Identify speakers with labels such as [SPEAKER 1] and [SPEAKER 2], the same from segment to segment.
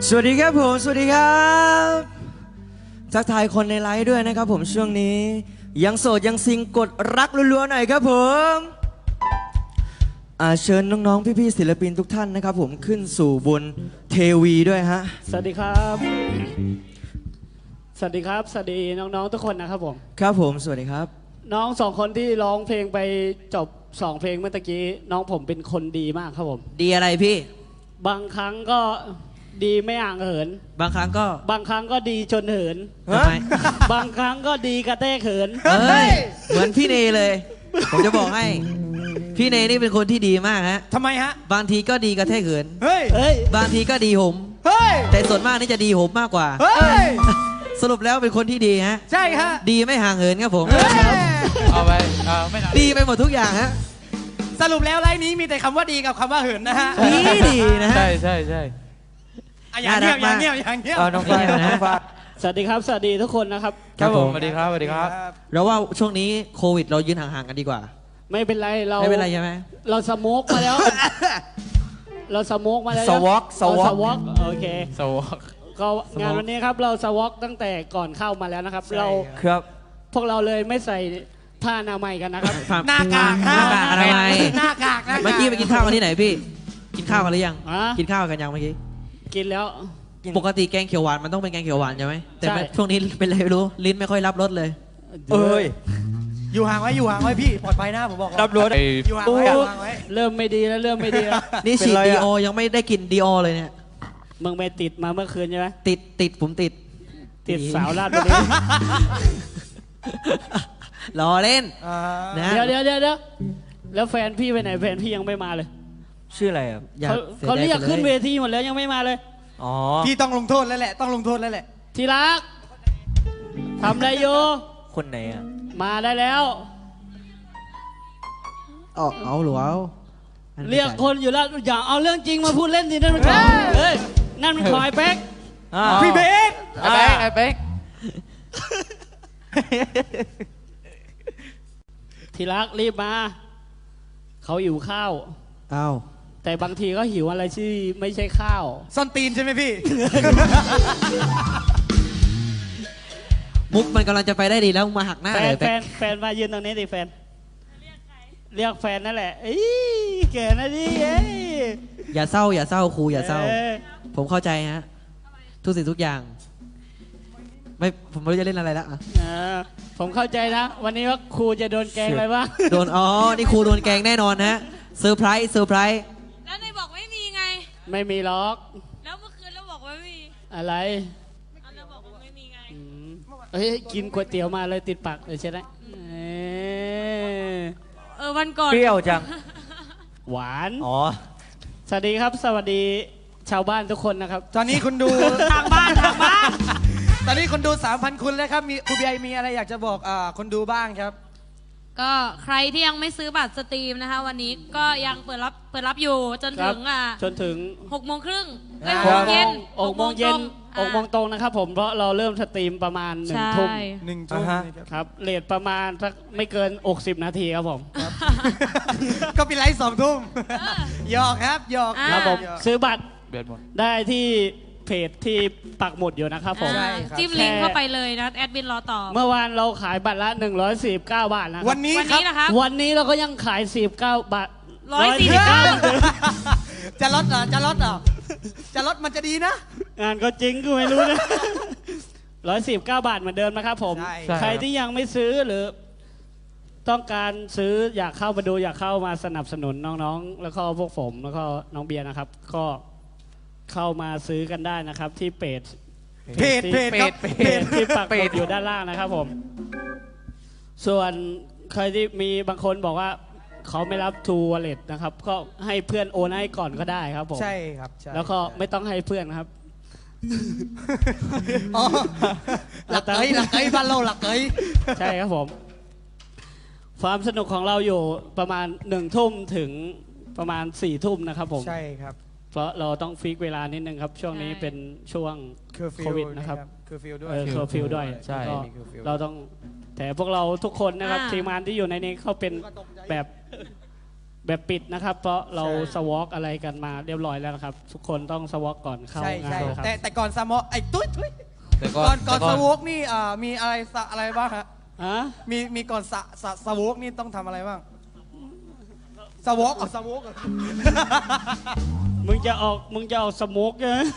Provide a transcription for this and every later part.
[SPEAKER 1] สวัสดีครับผมสวัสดีครับทักทายคนในไลฟ์ด้วยนะครับผมช่วงนี้ยังโสดยังซิงกดรักรัวๆหน่อยครับผมเชิญน้องๆพี่ๆศิลปินทุกท่านนะครับผมขึ้นสู่บนเทวีด้วยฮะ
[SPEAKER 2] สวัสดีครับสวัสดีครับสวัสดีน้องๆทุกคนนะครับผม
[SPEAKER 1] ครับผมสวัสดีครับ
[SPEAKER 2] น้องสองคนที่ร้องเพลงไปจบ2 เพลงเมื่อกี้น้องผมเป็นคนดีมากครับผม
[SPEAKER 1] ดีอะไรพี่
[SPEAKER 2] บางครั้งก็ดีไม่ห่างเหิน
[SPEAKER 1] บางครั้งก็
[SPEAKER 2] ดีจนเหิน
[SPEAKER 1] ทำไม
[SPEAKER 2] บางครั้งก็ดีกระแทกเหิน
[SPEAKER 1] เฮ้ยเหมือนพี่เนเลยผมจะบอกให้พี่เนนี่เป็นคนที่ดีมากฮะ
[SPEAKER 3] ทำไมฮะ
[SPEAKER 1] บางทีก็ดีกระแทกเหิน
[SPEAKER 3] เฮ้ย
[SPEAKER 1] บางทีก็ดีหมแต่ส่วนมากนี่จะดีหมมากกว่าสรุปแล้วเป็นคนที่ดีฮะ
[SPEAKER 3] ใช่ฮะ
[SPEAKER 1] ดีไม่ห่างเหินครับผม
[SPEAKER 3] เอาไปไม่
[SPEAKER 1] ดีไปหมดทุกอย่างฮะ
[SPEAKER 3] สรุปแล้วไลน์นี้มีแต่คำว่าดีกับคำว่าเหินนะฮะ
[SPEAKER 1] ดีนะฮะ
[SPEAKER 3] ใช่อย่างเงี้ย
[SPEAKER 1] เอาน้องฟ้านะ
[SPEAKER 2] สวัสดีครับสวัสดีทุกคนนะครับ
[SPEAKER 3] ครับผมสวัสดีครับ
[SPEAKER 1] เราว่าช่วงนี้โควิดเรายืนห่างๆกันดีกว่า
[SPEAKER 2] ไม่เป็นไร
[SPEAKER 1] ไม่เป็นไรใช่ไหม
[SPEAKER 2] เราสโมกมาแล้วเราสโมกมาแล้ว
[SPEAKER 1] สวอก
[SPEAKER 2] โอเค
[SPEAKER 3] สวอก
[SPEAKER 2] ก็งานวันนี้ครับเราสวอกตั้งแต่ก่อนเข้ามาแล้วนะครับเรา
[SPEAKER 1] ครับ
[SPEAKER 2] พวกเราเลยไม่ใส่ผ้าอนามัยกันนะครับ
[SPEAKER 3] หน้ากาก
[SPEAKER 1] อนามัย
[SPEAKER 3] หน้ากาก
[SPEAKER 1] เมื่อกี้ไปกินข้าวกันที่ไหนพี่กินข้าวกันหรือยังกินข้าวกันยังเมื่อกี้
[SPEAKER 2] กินแล้ว
[SPEAKER 1] ปกติแกงเขียวหวานมันต้องเป็นแกงเขียวหวานใช่ไหมแต่ช่วงนี้เป็นอะไรไม่รู้ลิ้นไม่ค่อยรับรสเลย
[SPEAKER 3] อยู่ห่างไว้พี่ปลอดภัยนะผมบอก
[SPEAKER 1] รับรส
[SPEAKER 3] อยู่ห่างไว้
[SPEAKER 2] เริ่มไม่ดีแล้ว
[SPEAKER 1] นี่ฉีดดีโอยังไม่ได้กินดีโอเลยเนี่ย
[SPEAKER 2] มึงไปติดมาเมื่อคืนใช่ไหม
[SPEAKER 1] ติดผมติด
[SPEAKER 2] สาวลาดบุรี
[SPEAKER 1] รอเล่น
[SPEAKER 2] นะเดี๋ยวแล้วแฟนพี่ไปไหนแฟนพี่ยังไม่มาเลย
[SPEAKER 1] ชื่ออะไรครับ
[SPEAKER 2] เขาเรียกขึ้นเวทีหมดแล้วยังไม่มาเลย
[SPEAKER 3] พี่ต้องลงโทษแล้วแหละ
[SPEAKER 2] ทีรักทำอะไรอยู่
[SPEAKER 1] คนไหนอ่ะ
[SPEAKER 2] มาได้แล้ว
[SPEAKER 1] เอาหรือเอา
[SPEAKER 2] เรียกคนอยู่แล้วอย่าเอาเรื่องจริงมาพูดเล่นสินั่นมันนั่นมันคอยเป๊ก
[SPEAKER 3] พี่เป๊กไอ้เป๊ก
[SPEAKER 2] ทีรักรีบมาเขาหิวข้าวแต่บางทีก็หิวอะไรที่ไม่ใช่ข้าว
[SPEAKER 3] ส้นตีนใช่ไหมพี่
[SPEAKER 1] มุกมันกำลังจะไปได้ดีแล้วมาหักหน้าเลย
[SPEAKER 2] แฟนมายืนตรงนี้ดิแฟนเรียกแฟนนั่นแหละแกนะดิ
[SPEAKER 1] อย่าเศร้าครูอย่าเศร้าผมเข้าใจฮะทุกสิ่งทุกอย่างผมไม่รู้จะเล่นอะไรแล้ว
[SPEAKER 2] ผมเข้าใจนะวันนี้ว่าครูจะโดนแกงอะไรบ้าง
[SPEAKER 1] โดนนี่ครูโดนแกงแน่นอนนะเซอร์ไพรส์
[SPEAKER 4] แล้วนายบอกไม่มีไง
[SPEAKER 2] ไม่มีล็อก
[SPEAKER 4] แล้วเมื่อคืนเราบอกว่าไม่มี
[SPEAKER 2] อะไร
[SPEAKER 4] เราบอกว่าไม่มีไง
[SPEAKER 2] กินก๋วยเตี๋ยวมาเลยติดปากเลยใช่ไหม
[SPEAKER 4] วันก่อน
[SPEAKER 1] เปรี้ยวจัง
[SPEAKER 2] หวานสวัสดีครับสวัสดีชาวบ้านทุกคนนะครับ
[SPEAKER 3] ตอนนี้คุณดู
[SPEAKER 4] ทางบ้าน
[SPEAKER 3] ตอนนี้คนดู 3,000 คนแล้วครับมีครูบีไอมีอะไรอยากจะบอกคนดูบ้างครับ
[SPEAKER 4] ก็ใครที่ยังไม่ซื้อบัตรสตรีมนะคะวันนี้ก็ยังเปิดรับอยู่จนถึง6 โมงครึ่ง6 โมงเย็น
[SPEAKER 2] 6 โมงเย็น6 โมงตรงนะครับผมเพราะเราเริ่มสตรีมประมาณ1 ทุ่มครับเลทประมาณสักไม่เกิน60 นาทีครับผม
[SPEAKER 3] ก็เป็นไลฟ์2 ทุ่มหยอกครับ
[SPEAKER 2] ผมซื้อบัตรได้ที่เพจที่ปักหมุดอยู่นะครับผม
[SPEAKER 4] จิ้มลิงก์เข้าไปเลยนะแอดมินรอตอบ
[SPEAKER 2] เมื่อวานเราขายบัตรละ149 บาทนะ
[SPEAKER 3] วันนี้
[SPEAKER 4] นะครับ
[SPEAKER 2] วันนี้เราก็ยังขาย49 บาท
[SPEAKER 3] จะลดเหรอจะลดมันจะดีนะ
[SPEAKER 2] งานก็จริงกูไม่รู้นะ149 บาทเหมือนเดิมนะครับผมใครที่ยังไม่ซื้อหรือต้องการซื้ออยากเข้ามาดูอยากเข้ามาสนับสนุนน้องๆแล้วก็พวกผมแล้วก็น้องเบียร์นะครับก็เข้ามาซื้อกันได้นะครับที่เพจที่ปักหมุดอยู่ด้านล่างนะครับผมส่วนใครที่มีบางคนบอกว่าเขาไม่รับทูวอลเล็ตนะครับก็ให้เพื่อนโอนให้ก่อนก็ได้ครับผม
[SPEAKER 3] ใช่ครับ
[SPEAKER 2] แล้วก็ไม่ต้องให้เพื่อนครับ
[SPEAKER 3] หลักเอ้ยบ้านเราหลักเอ้ย
[SPEAKER 2] ใช่ครับผมความสนุกของเราอยู่ประมาณ1 ทุ่มถึงประมาณ4 ทุ่มนะครับผม
[SPEAKER 3] ใช่ครับ
[SPEAKER 2] เพราะเราต้องฟิกเวลานิดนึงครับช่วงนี้เป็นช่วงโควิดนะครับ
[SPEAKER 3] เคอร์ฟิวด้วย
[SPEAKER 2] ใช่เราต้องแต่พวกเราทุกคนนะครับทีมงานที่อยู่ในนี้เขาเป็นแบบแบบปิดนะครับ เพราะเราสวอปอะไรกันมาเรียบร้อยแล้วนะครับ ทุกคนต้องสวอปก่อนเข้า
[SPEAKER 3] ใช่
[SPEAKER 2] งานนะครับ
[SPEAKER 3] แต่ก่อนสมอไอ้ตุ้ย
[SPEAKER 5] แต่
[SPEAKER 3] ก่อนสวกนี่มีอะไรบ้างฮะ
[SPEAKER 2] ฮะ
[SPEAKER 3] มีก่อนสวกนี่ต้องทำอะไรบ้างสวกสวก
[SPEAKER 2] มึงจะออกสโมกใช่ไหม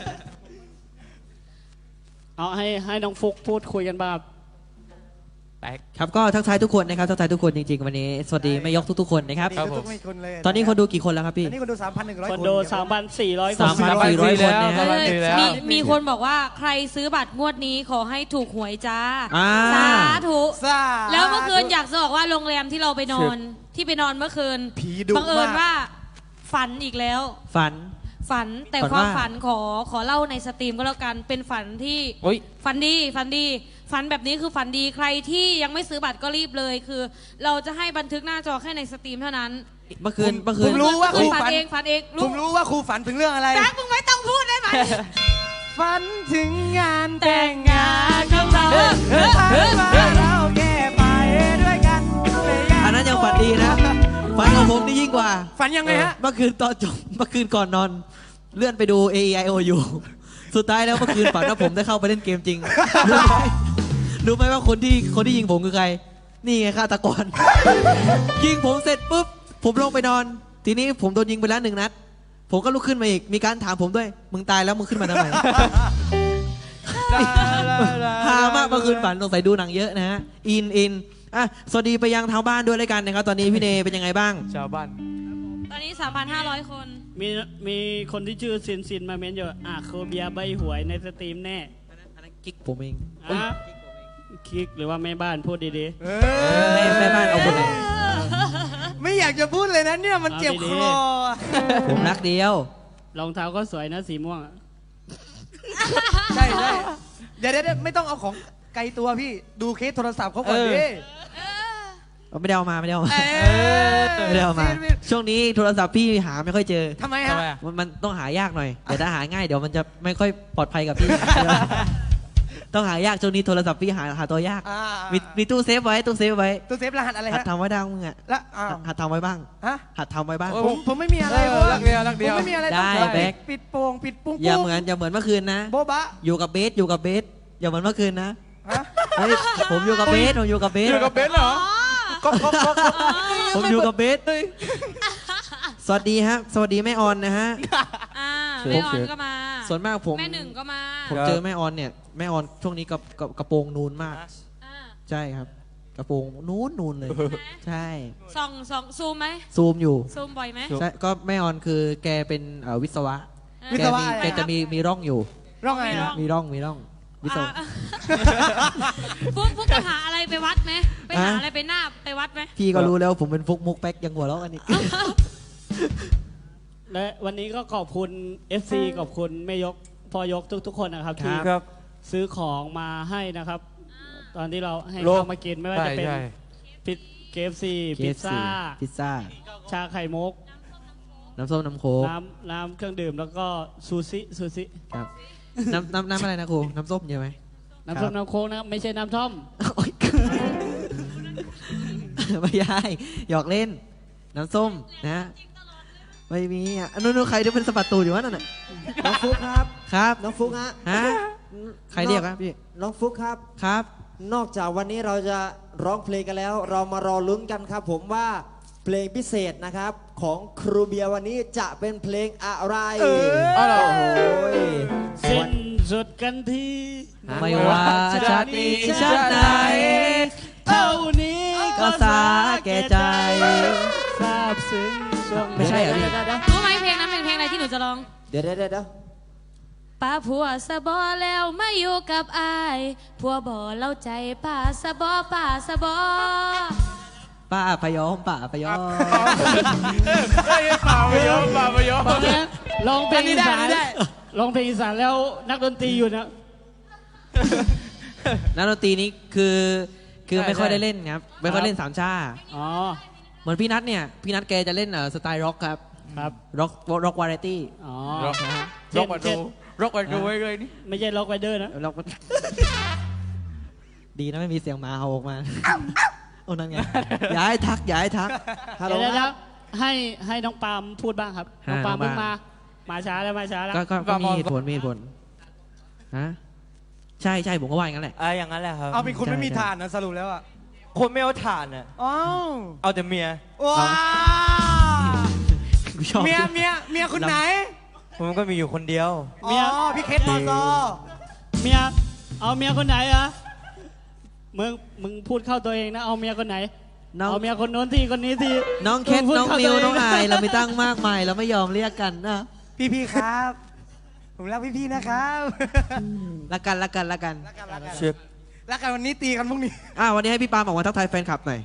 [SPEAKER 2] เอาให้น้องฟุกพูดคุยกันบ้าง
[SPEAKER 1] ครับก็ทักทายทุกคนนะครับทักทายทุกคนจริงๆวันนี้สวัสดีแม่ยกทุกๆคนนะครับ
[SPEAKER 3] นี่ทุกไม่คนเลย
[SPEAKER 1] ตอนนี้คนดูกี่คนแล้วครับพี่
[SPEAKER 3] ตอนนี้คนดู 3,100
[SPEAKER 2] คนดู 3,400 คน
[SPEAKER 1] 3,400 คนนะฮะ
[SPEAKER 4] มีคนบอกว่าใครซื้อบัตรงวดนี้ขอให้ถูกหวยจ้า
[SPEAKER 1] อ่า
[SPEAKER 4] สาธุ
[SPEAKER 3] สาธุ
[SPEAKER 4] แล้วเมื่อคืนอยากจะบอกว่าโรงแรมที่เราไปนอนเมื่อคืน
[SPEAKER 3] ผีดุ
[SPEAKER 4] บังเอิญ
[SPEAKER 3] มาก
[SPEAKER 4] ว่าฝันอีกแล้ว
[SPEAKER 1] ฝัน
[SPEAKER 4] แต่
[SPEAKER 1] ฝัน
[SPEAKER 4] ความ
[SPEAKER 1] ว่า
[SPEAKER 4] ฝันขอเล่าในสตรีมก็แล้วกันเป็นฝันที่
[SPEAKER 5] โอ้ย
[SPEAKER 4] ฝันดีฝันแบบนี้คือฝันดีใครที่ยังไม่ซื้อบัตรก็รีบเลยคือ เราจะให้บันทึกหน้าจอแค่ในสตรีมเท่านั้น
[SPEAKER 1] เมื่อคืน
[SPEAKER 3] ผมรู้ว่าครู
[SPEAKER 4] ฝัน
[SPEAKER 3] ฝัน
[SPEAKER 4] เองฝันเอง
[SPEAKER 3] ผมรู้ว่าครูฝันถึงเรื่องอะไร
[SPEAKER 4] แป๊บมึงไม่ต้องพูดได้ไหม
[SPEAKER 3] ฝันถึงงาน
[SPEAKER 4] แต่งงานของเรา
[SPEAKER 3] เราแย่ไปด้วยกัน
[SPEAKER 1] อันนั้นยังฝันดีนะฝันของผมนี่ยิ่งกว่า
[SPEAKER 3] ฝันยังไงฮะ
[SPEAKER 1] เมื่อคืนตอนจบเมื่อคืนก่อนนอน เลื่อนไปดู AEIOU สุดท้ายแล้วเมื่อคืนฝันว่าผมได้เข้าไปเล่นเกมจริง รู้ไหมว่าคนที่ยิงผมคือใคร นี่ไงฆาตกร ยิงผมเสร็จปุ๊บผมลงไปนอน ทีนี้ผมโดนยิงไปแล้ว1 นัด ผมก็ลุกขึ้นมาอีกมีการถามผมด้วยมึงตายแล้วมึงขึ้นมาทำไม ฮามากเมื่อคืนฝันสงสัยดูหนังเยอะนะฮะอินอ่ะสวัสดีไปยังทางบ้านด้วยแล้วกันนะครับตอนนี้พี่เนเป็นยังไงบ้าง
[SPEAKER 5] ชาวบ้าน
[SPEAKER 4] ตอนนี้ 3,500 คน
[SPEAKER 2] มีคนที่ชื่อซินมาเม้นอยู่โคเบียใบหวยในสตรีมแน่
[SPEAKER 1] อันนั้นกิ๊กผมเอง
[SPEAKER 2] อ่ะคลิกหรือว่าแม่บ้านพูดดี
[SPEAKER 1] แม่บ้านเอาคนไหน
[SPEAKER 3] ไม่อยากจะพูดเลยนะเนี่ยมันเจ็บคอ
[SPEAKER 1] ผมรักเดียว
[SPEAKER 2] ๆรองเท้าก็สวยนะสีม่วงอะ
[SPEAKER 3] ใช่เดี๋ยวไม่ต้องเอาของไกลตัวพี่ดูเคสโทรศัพท์เขาก่อนดิ
[SPEAKER 1] ไม่ได้เอามาไม่ได้เอามา
[SPEAKER 3] เออ
[SPEAKER 1] ไม่ได้เอามา ช่วงนี้โทรศัพท์พี่หาไม่ค่อยเจอ
[SPEAKER 3] ทำไมฮะ
[SPEAKER 1] มันต้องหายากหน่อยแต่ถ้าหาง่ายเดี๋ยวมันจะไม่ค่อยปลอดภัยกับพี่ ต้องหายากช่วงนี้โทรศัพท์พี่หาตัวยาก
[SPEAKER 3] อ่า
[SPEAKER 1] มีตู้เซฟไว้
[SPEAKER 3] ตู้เซฟรหัสอะไร
[SPEAKER 1] หัด
[SPEAKER 3] ฮะ
[SPEAKER 1] ทำไว้ดังมึงอ่ะ
[SPEAKER 3] แล้วอ้าว
[SPEAKER 1] หัดทำไว้บ้าง
[SPEAKER 3] ฮะ
[SPEAKER 1] หัดทำไว้บ้าง
[SPEAKER 3] ผมไม่มีอะไร
[SPEAKER 5] รักเดียวรักเดียว
[SPEAKER 3] ผมไม่มีอะไร
[SPEAKER 1] ได้
[SPEAKER 3] ต้อง
[SPEAKER 1] แบ็ค
[SPEAKER 3] ปิดโป่งปิดปุ้ง
[SPEAKER 1] อย่าเหมือนเมื่อคืนนะ
[SPEAKER 3] โบ๊ะบะ
[SPEAKER 1] อยู่กับเบสอย่าเหมือนเมื่อคืนนะ
[SPEAKER 3] ฮะ
[SPEAKER 1] เฮ้ยผมอยู่กับเบส
[SPEAKER 5] อยู่กับเบนซ์เหรอ
[SPEAKER 3] ก็
[SPEAKER 1] ผมอยู่กับเบสสวัสดีครับสวัสดีแม่ออนนะฮะ
[SPEAKER 4] แม่ออนก็มา
[SPEAKER 1] ส่วนมากผม
[SPEAKER 4] แม่หนึ่งก็มา
[SPEAKER 1] ผมเจอแม่ออนเนี่ยแม่ออนช่วงนี้กระโปรงนูนมาก
[SPEAKER 4] อ่า
[SPEAKER 1] ใช่ครับ กระโปรงนูนเลย ใช่
[SPEAKER 4] ส่องซูมไหม
[SPEAKER 1] ซูมอยู่
[SPEAKER 4] ซูมบ่อยไหม
[SPEAKER 1] ใช่ก็แม่ออนคือแกเป็นวิศวะ
[SPEAKER 3] วิศวะอะไร
[SPEAKER 1] แกจะมีร่องอยู่
[SPEAKER 3] ร้องไงนะ
[SPEAKER 1] มีร่องวิศวะ
[SPEAKER 4] ฟุกไปหาอะไรไปวัดไหมไปหาอะไรไปหน้าไปวัดไหม
[SPEAKER 1] พี่ก็รู้แล้วผมเป็นฟุกมุกแป๊กยังหัวเราะกันอีก
[SPEAKER 2] และวันนี้ก็ขอบคุณ FC ขอบคุณแม่ยกพ่อยกทุกๆคนนะครับที่
[SPEAKER 5] ครับ
[SPEAKER 2] ซื้อของมาให้นะครับ ตอนที่เราให้
[SPEAKER 5] โล
[SPEAKER 2] ข้าวมากินไม่ว่าจะเป็น
[SPEAKER 5] ใช่
[SPEAKER 2] พิซKFC พิซซ่า
[SPEAKER 1] พิซซ่า
[SPEAKER 2] ชาไข่มุก
[SPEAKER 1] น้ำส้มน้ำโค้ก
[SPEAKER 2] น้ำเครื่องดื่มแล้วก็ซูซิ
[SPEAKER 1] ครับน้ำอะไรนะครูน้ำส้มใช่ไหม
[SPEAKER 2] น้ำส้มน้ำโค้กนะครับไม่ใช่น้ำท่อม
[SPEAKER 1] โอ๊ย ไม่ใช่หยอกเล่น น้ำส้มนะไม่มีอ่ะนู้นใครที่เป็นสะบัดตูดอยู่วะนั่นน่ะ
[SPEAKER 6] น้องฟุกครับ
[SPEAKER 1] ครับ
[SPEAKER 6] น้องฟุกฮะ
[SPEAKER 1] ฮะใครเรียกครับพี่
[SPEAKER 6] น้องฟุกครับ
[SPEAKER 1] ครับ
[SPEAKER 6] นอกจากวันนี้เราจะร้องเพลงกันแล้ว เรามารอลุ้นกันครับ ผมว่าเพลงพิเศษนะครับ ของครูเบียร์วันนี้จะเป็นเพลงอะไร
[SPEAKER 5] อ๋อเหรอ
[SPEAKER 6] โอ้ย
[SPEAKER 2] สิ้นสุดกันที
[SPEAKER 1] ไม่ว่าชาตินี้ชาติไหน
[SPEAKER 2] เท่านี้
[SPEAKER 1] ก็สาแก่ใจ
[SPEAKER 2] ซาบซึ้งช่วง
[SPEAKER 1] ไม่ใช่เหรอพี่
[SPEAKER 4] รู้ไหมเพลงนั้นเป็นเพลงอะไรที่หนูจะร้อง
[SPEAKER 6] เดี๋ยว
[SPEAKER 4] ป้าผัวสะบอแล้วมาอยู่กับอายผัวบ่เล่าใจป้าสะบอป้าสะบอ
[SPEAKER 1] ป้าพยอม
[SPEAKER 5] เฮ้ยเปล่าไปยอม
[SPEAKER 2] ตอนนี้ร้องเพลงอีสาน
[SPEAKER 3] อันนี้ได้
[SPEAKER 2] ร้องเพลงอีสานแล้วนักดนตรีอยู่นะ
[SPEAKER 1] นักดนตรีนี้คือไม่ค่อยได้เล่นครับไม่ค่อยเล่นสามชา
[SPEAKER 2] อ๋อ
[SPEAKER 1] เหมือนพี่นัทเนี่ยพี่นัทแกจะเล่นสไตล์ร็อกครับ
[SPEAKER 2] ครับ
[SPEAKER 1] ร็อกวาไรตี้
[SPEAKER 2] อ๋อ
[SPEAKER 5] ร็อกมาดูไว้เลยนี่
[SPEAKER 2] ไม่ใช่ล็อกไวเดอร์นะ
[SPEAKER 1] ร็อก ดีนะไม่มีเสียงหมาเห่าออกมาโอ้นั่นไงอย่าให้ทัก
[SPEAKER 6] ฮัลโหล
[SPEAKER 2] เดี๋ยว
[SPEAKER 6] ครับ
[SPEAKER 2] ฮให้น้องปาล์มพูดบ้างครับน้องปาล์มเพิ่งมาช้าแล้วมาช้าแล้ว
[SPEAKER 1] ก็มีเหตุผลมีเหตุผลฮะใช่ผมก็ว่าอย่างนั้นแหละ
[SPEAKER 7] อย่างนั้นแหละครับ
[SPEAKER 3] เอาเป็นคนไม่มี
[SPEAKER 1] ใช่
[SPEAKER 3] ฐานนะสรุปแล้วอ่ะ
[SPEAKER 7] คนไม่เอาถ่านอ่ะ
[SPEAKER 3] อ้าว
[SPEAKER 7] เอาแต่เมีย
[SPEAKER 3] ว้า
[SPEAKER 1] กูชอบ
[SPEAKER 3] เมียคนไหน
[SPEAKER 7] ผมก็มีอยู่คนเดียว
[SPEAKER 3] อ๋อพี่เคสมอซอ
[SPEAKER 2] เมียเอาเมียคนไหนอะมึงพูดเข้าตัวเองนะเอาเมียคนไหน
[SPEAKER 1] น้อง
[SPEAKER 2] เอาเมียคนโน้นที่คนนี้ที่
[SPEAKER 1] น้องเคส
[SPEAKER 2] พูด
[SPEAKER 1] น้อง
[SPEAKER 2] ข้า
[SPEAKER 1] มิว
[SPEAKER 2] ตัวเ
[SPEAKER 1] น้องอายเราไม่ตั้งมากมายเราไม่ยอมเรียกกันนะ
[SPEAKER 3] พี่ครับ ผมรักพี่นะครับ
[SPEAKER 1] ละกัน
[SPEAKER 3] รักกันวันนี้ตีกันพรุ่งนี้
[SPEAKER 1] วันนี้ให้พี่ปาล์มออกมาทักทายแฟนคลับหน่อย